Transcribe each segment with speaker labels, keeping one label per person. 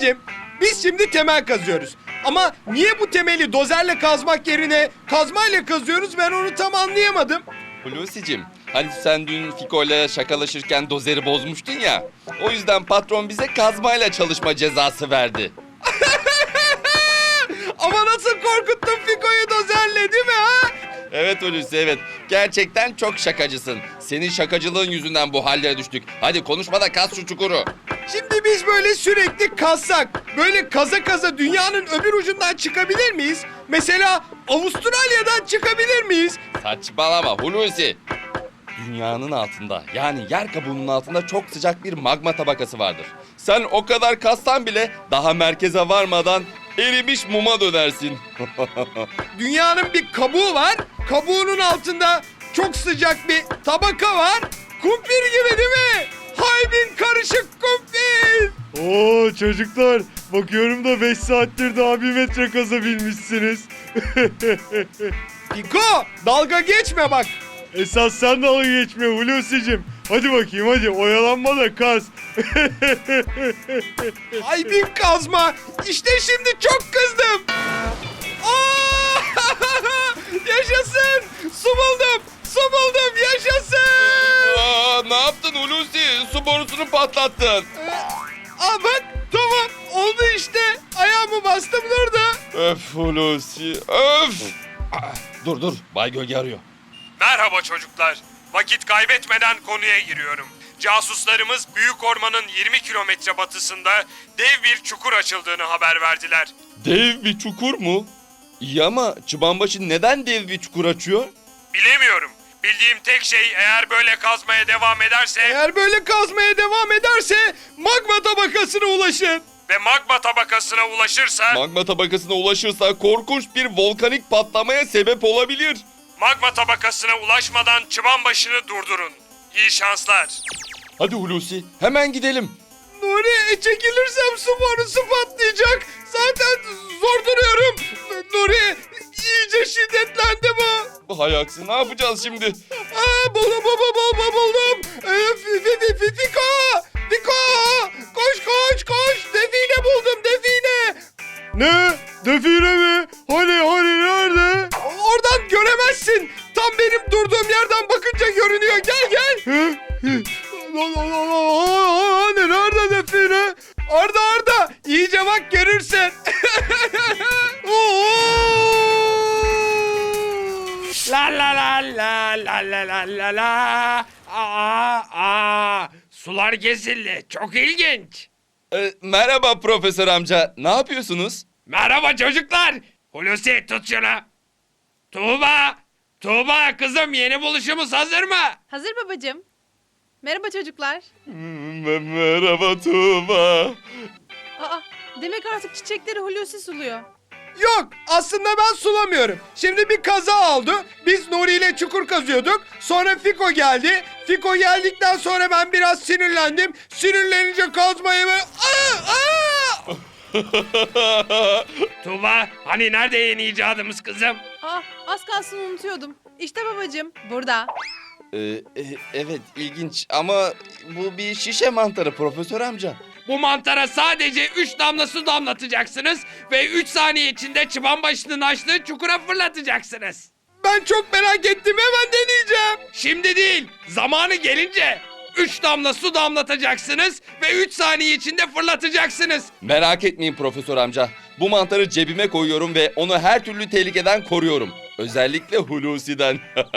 Speaker 1: Hulusicim, biz şimdi temel kazıyoruz. Ama niye bu temeli dozerle kazmak yerine kazmayla kazıyoruz, ben onu tam anlayamadım.
Speaker 2: Hulusi'cim, hani sen dün Fiko'yla şakalaşırken dozeri bozmuştun ya. O yüzden patron bize kazmayla çalışma cezası verdi.
Speaker 1: Ama nasıl korkuttun Fiko'yu dozerle, değil mi ha?
Speaker 2: Evet Hulusi, evet. Gerçekten çok şakacısın. Senin şakacılığın yüzünden bu hallere düştük. Hadi konuşma da kaz şu çukuru.
Speaker 1: Şimdi biz böyle sürekli kazsak, böyle kaza kaza dünyanın öbür ucundan çıkabilir miyiz? Mesela Avustralya'dan çıkabilir miyiz?
Speaker 2: Saçmalama Hulusi. Dünyanın altında, yani yer kabuğunun altında çok sıcak bir magma tabakası vardır. Sen o kadar kazsan bile daha merkeze varmadan erimiş muma dönersin.
Speaker 1: Dünyanın bir kabuğu var, kabuğunun altında çok sıcak bir tabaka var. Kumpir gibi değil mi? Haybin karışık kumpir.
Speaker 3: Oo çocuklar, bakıyorum da 5 saattir daha 1 metre kazabilmişsiniz.
Speaker 1: Fiko, dalga geçme bak.
Speaker 3: Esas sen dalga geçme Hulusi'cim. Hadi bakayım, hadi oyalanma da kaz.
Speaker 1: Haybin kazma. İşte şimdi çok kızdım. Aa! Yaşasın. Su buldum. Su buldum. Yaşasın.
Speaker 2: Aa, ne yaptın Hulusi? Su borusunu patlattın.
Speaker 1: Aa bak, tamam. Oldu işte. Ayağımı bastım durdu.
Speaker 2: Öf Hulusi, öf. Dur, Bay Gölge arıyor.
Speaker 4: Merhaba çocuklar. Vakit kaybetmeden konuya giriyorum. Casuslarımız Büyük Orman'ın 20 kilometre batısında dev bir çukur açıldığını haber verdiler.
Speaker 2: Dev bir çukur mu? İyi ama Çıbanbaşı neden dev bir çukur açıyor?
Speaker 4: Bilemiyorum. Bildiğim tek şey eğer böyle kazmaya devam ederse
Speaker 1: Eğer böyle kazmaya devam ederse magma tabakasına ulaşın.
Speaker 4: ve magma tabakasına ulaşırsa
Speaker 2: Magma tabakasına ulaşırsa korkunç bir volkanik patlamaya sebep olabilir.
Speaker 4: magma tabakasına ulaşmadan çıbanbaşını durdurun. İyi şanslar.
Speaker 2: Hadi Hulusi, hemen gidelim.
Speaker 1: Nuri, çekilirsem su borusu patlayacak. Zaten zor duruyorum. Nuri, iyice şiddetlendi bu.
Speaker 2: Hay aksi, ne yapacağız şimdi?
Speaker 1: Aa, buldum. Fiko! Fiko! Koş! Define buldum, define.
Speaker 3: Ne? Define mi? Hani nerede?
Speaker 1: Oradan göremezsin. Tam benim durduğum yerden bakınca görünüyor. Gel. Hani nerede define? Orada. İyice bak, görürsen.
Speaker 5: La la la la la la la la la. Sular kesildi. Çok ilginç.
Speaker 2: Merhaba profesör amca, ne yapıyorsunuz?
Speaker 5: Merhaba çocuklar. Hulusi tut şunu. Tuğba kızım, yeni buluşumuz hazır mı?
Speaker 6: Hazır babacığım. Merhaba çocuklar.
Speaker 2: Merhaba Tuğba.
Speaker 6: Aa, demek artık çiçekleri Hulusi suluyor.
Speaker 1: Yok, aslında ben sulamıyorum. Şimdi bir kaza oldu. Biz Nuri ile çukur kazıyorduk. Sonra Fiko geldi. Fiko geldikten sonra ben biraz sinirlendim. Sinirlenince kazmayı böyle...
Speaker 5: Tuğba, hani nerede yeni icadımız kızım?
Speaker 6: Aa, az kalsın unutuyordum. İşte babacığım, burada.
Speaker 2: Evet, ilginç ama bu bir şişe mantarı profesör amca.
Speaker 5: Bu mantara sadece 3 damla su damlatacaksınız ve 3 saniye içinde çıbanbaşının açtığı çukura fırlatacaksınız.
Speaker 1: Ben çok merak ettim, hemen deneyeceğim.
Speaker 5: Şimdi değil, zamanı gelince 3 damla su damlatacaksınız ve 3 saniye içinde fırlatacaksınız.
Speaker 2: Merak etmeyin profesör amca. Bu mantarı cebime koyuyorum ve onu her türlü tehlikeden koruyorum. Özellikle Hulusi'den.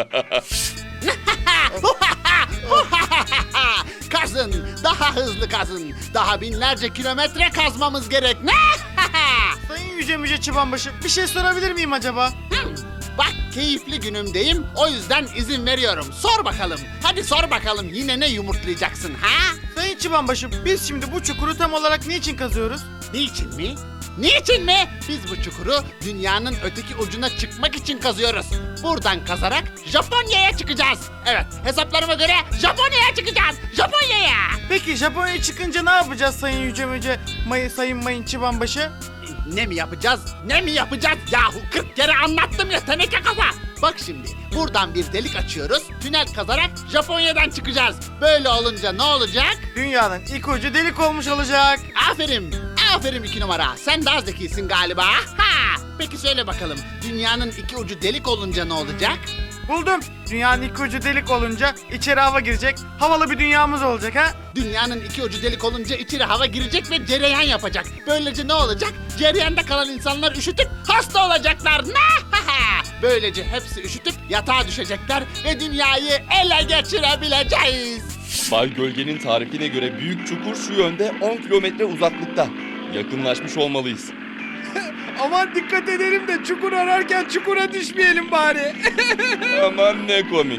Speaker 7: Kazın, daha hızlı kazın. Daha binlerce kilometre kazmamız gerek. Ne?
Speaker 8: Sayın Yüce Çıbanbaşı, bir şey sorabilir miyim acaba?
Speaker 7: Bak, keyifli günümdeyim, o yüzden izin veriyorum. Sor bakalım. Hadi sor bakalım, yine ne yumurtlayacaksın ha?
Speaker 8: Sayın Çıbanbaşı, biz şimdi bu çukuru tam olarak niçin kazıyoruz?
Speaker 7: Niçin mi? Niçin mi? Biz bu çukuru dünyanın öteki ucuna çıkmak için kazıyoruz. Buradan kazarak Japonya'ya çıkacağız. Evet, hesaplarıma göre Japonya'ya çıkacağız. Japonya'ya.
Speaker 8: Peki Japonya'ya çıkınca ne yapacağız Sayın Sayın Mayın Çıbanbaşı?
Speaker 7: Ne mi yapacağız? Ne mi yapacağız? Yahu 40 kere anlattım ya, teneke kafa. Bak şimdi, buradan bir delik açıyoruz. Tünel kazarak Japonya'dan çıkacağız. Böyle olunca ne olacak?
Speaker 8: Dünyanın ilk ucu delik olmuş olacak.
Speaker 7: Aferin, Aferin 2 numara. Sen daha zekisin galiba. Ha! Peki söyle bakalım. Dünyanın iki ucu delik olunca ne olacak?
Speaker 8: Buldum. Dünyanın iki ucu delik olunca içeri hava girecek. Havalı bir dünyamız olacak ha.
Speaker 7: Dünyanın iki ucu delik olunca içeri hava girecek ve cereyan yapacak. Böylece ne olacak? Cereyanda kalan insanlar üşütüp hasta olacaklar. Böylece hepsi üşütüp yatağa düşecekler ve dünyayı ele geçirebileceğiz.
Speaker 2: Bay Gölge'nin tarifine göre büyük çukur şu yönde 10 kilometre uzaklıkta. Yakınlaşmış olmalıyız.
Speaker 1: Aman dikkat edelim de çukur ararken çukura düşmeyelim bari.
Speaker 2: Aman ne komik.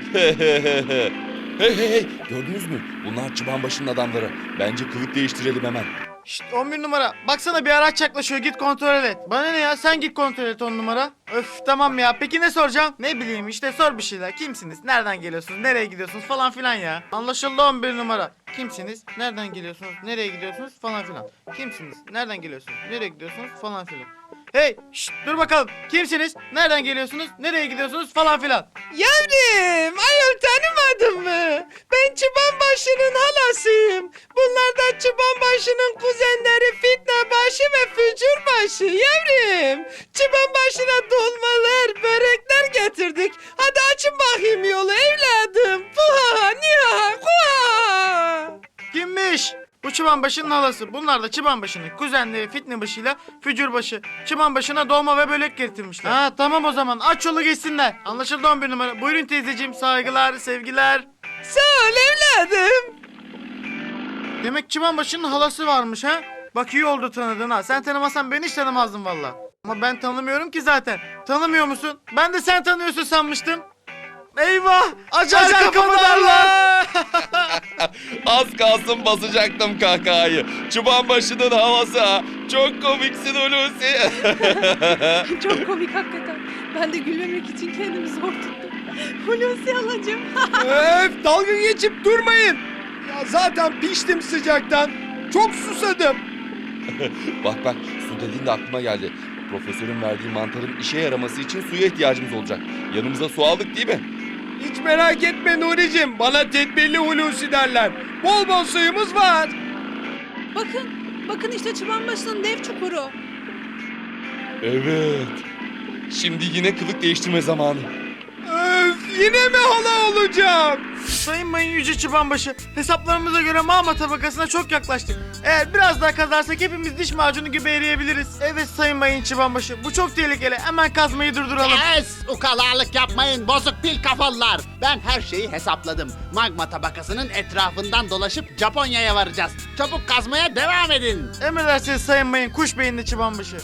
Speaker 2: Hey, gördünüz mü? Bunlar Çıbanbaşı'nın adamları. Bence kılık değiştirelim hemen.
Speaker 8: Şşt 11 numara. Baksana bir araç yaklaşıyor, git kontrol et. Bana ne ya, sen git kontrol et 10 numara. Öf tamam ya, peki ne soracağım? Ne bileyim işte, sor bir şeyler. Kimsiniz? Nereden geliyorsunuz? Nereye gidiyorsunuz? Falan filan ya. Anlaşıldı 11 numara. Kimsiniz? Nereden geliyorsunuz? Nereye gidiyorsunuz? Falan filan. Kimsiniz? Nereden geliyorsunuz? Nereye gidiyorsunuz? Falan filan. Hey şşt dur bakalım. Kimsiniz? Nereden geliyorsunuz? Nereye gidiyorsunuz? Falan filan.
Speaker 1: Yavrum, ayol tanımadın mı? Ben Çıbanbaşı'nın halasıyım. Bunlar da Çıbanbaşı'nın kuzenleri Fitnebaşı ve Fücurbaşı yavrum. Çıbanbaşı'na dolmalar, börekler getirdik. Hadi açın bakayım yolu evladım. Puha, niha, kuha.
Speaker 8: Kimmiş? Bu Çıbanbaşı'nın halası. Bunlar da Çıbanbaşı'nın kuzenleri Fitnebaşı'yla Fücurbaşı. Çıbanbaşı'na dolma ve börek getirmişler. Ha tamam o zaman, aç yolu geçsinler. Anlaşıldı 11 numara. Buyurun teyzeciğim, saygılar, sevgiler.
Speaker 1: Sağ ol evladım.
Speaker 8: Demek Çıbanbaşı'nın halası varmış ha? Bak iyi oldu tanıdın ha. Sen tanımasan ben hiç tanımazdım valla. Ama ben tanımıyorum ki zaten. Tanımıyor musun? Ben de sen tanıyorsun sanmıştım. Eyvah! Acar kapıdarlar!
Speaker 2: Az kalsın basacaktım kahkahayı. Çıbanbaşı'nın havası ha. Çok komiksin Hulusi.
Speaker 6: Çok komik hakikaten. Ben de gülmemek için kendimi zor tuttum. Hulusi halacığım.
Speaker 1: Öf, dalga geçip durmayın. Ya zaten piştim sıcaktan. Çok susadım.
Speaker 2: Bak su dediğinde aklıma geldi. Profesörün verdiği mantarın işe yaraması için suya ihtiyacımız olacak. Yanımıza su aldık değil mi?
Speaker 1: Hiç merak etme Nuri'cim. Bana tedbirli Hulusi derler. Bol bol suyumuz var.
Speaker 6: Bakın işte Çıbanbaşı'nın dev çukuru.
Speaker 2: Evet. Şimdi yine kılık değiştirme zamanı.
Speaker 1: Öf, yine mi hala olacağım?
Speaker 8: Sayın Mayın Yüce Çıbanbaşı, hesaplarımıza göre mağma tabakasına çok yaklaştık. Eğer biraz daha kazarsak hepimiz diş macunu gibi eriyebiliriz. Evet Sayın Mayın Çıbanbaşı, bu çok tehlikeli. Hemen kazmayı durduralım.
Speaker 7: Ukalalık yapmayın bozuk pil kafalılar. Ben her şeyi hesapladım. Magma tabakasının etrafından dolaşıp Japonya'ya varacağız. Çabuk kazmaya devam edin.
Speaker 8: Emredersiniz Sayın Mayın, kuş beyinli Çıbanbaşı.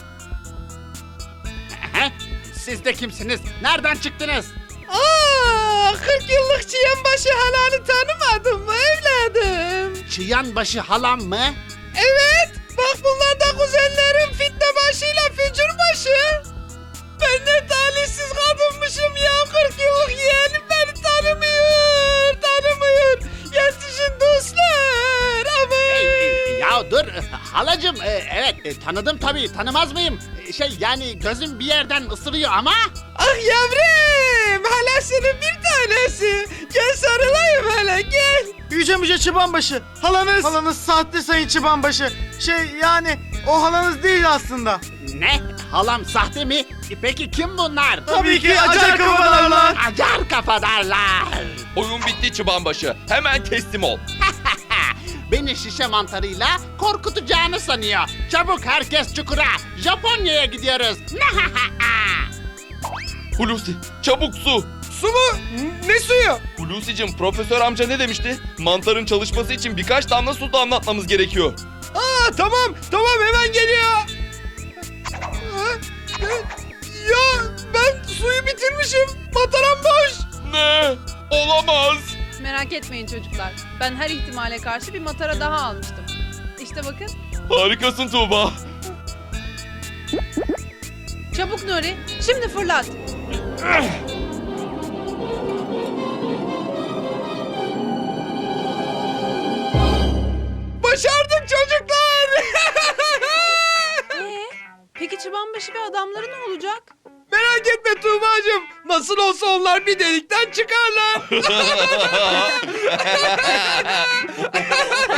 Speaker 7: Siz de kimsiniz? Nereden çıktınız?
Speaker 1: 40 yıllık Çıyanbaşı halanı tanımadın mı evladım?
Speaker 7: Çıyanbaşı halam mı?
Speaker 1: Evet, bak bunlar da kuzenlerim Fitnebaşı ile Fücurbaşı. Ben ne talihsiz kadınmışım ya, 40 yıllık yeğenim beni tanımıyor. Yetişin dostlar, ama...
Speaker 7: Ya dur halacığım evet tanıdım tabii tanımaz mıyım? Yani gözüm bir yerden ısırıyor ama...
Speaker 1: Ah yavrum, halasının bir tanesi. Gel sarılayım hele, gel.
Speaker 8: Yüce Müce Çıbanbaşı, halanız sahte Sayın Çıbanbaşı. Yani o halanız değil aslında.
Speaker 7: Ne? Halam sahte mi? Peki kim bunlar?
Speaker 8: Tabii ki acar kafadarlar.
Speaker 7: Acar kafadarlar.
Speaker 2: Oyun bitti Çıbanbaşı. Hemen teslim ol.
Speaker 7: Beni şişe mantarıyla korkutacağını sanıyor. Çabuk herkes çukura. Japonya'ya gidiyoruz.
Speaker 2: Hulusi çabuk su.
Speaker 1: Su mu? Ne suyu?
Speaker 2: Hulusi'cim profesör amca ne demişti? Mantarın çalışması için birkaç damla su damlatmamız gerekiyor.
Speaker 1: Tamam hemen geliyor. Ya ben suyu bitirmişim. Mataram boş.
Speaker 2: Ne? Olamaz.
Speaker 6: Merak etmeyin çocuklar. Ben her ihtimale karşı bir matara daha almıştım. İşte bakın.
Speaker 2: Harikasın Tuğba.
Speaker 6: Çabuk Nuri. Şimdi fırlat.
Speaker 1: Başardık çocuklar.
Speaker 6: Peki Çıbanbaşı ve adamları ne olacak?
Speaker 1: Merak etme Tuğba'cığım. Nasıl olsa onlar bir delikten çıkarlar.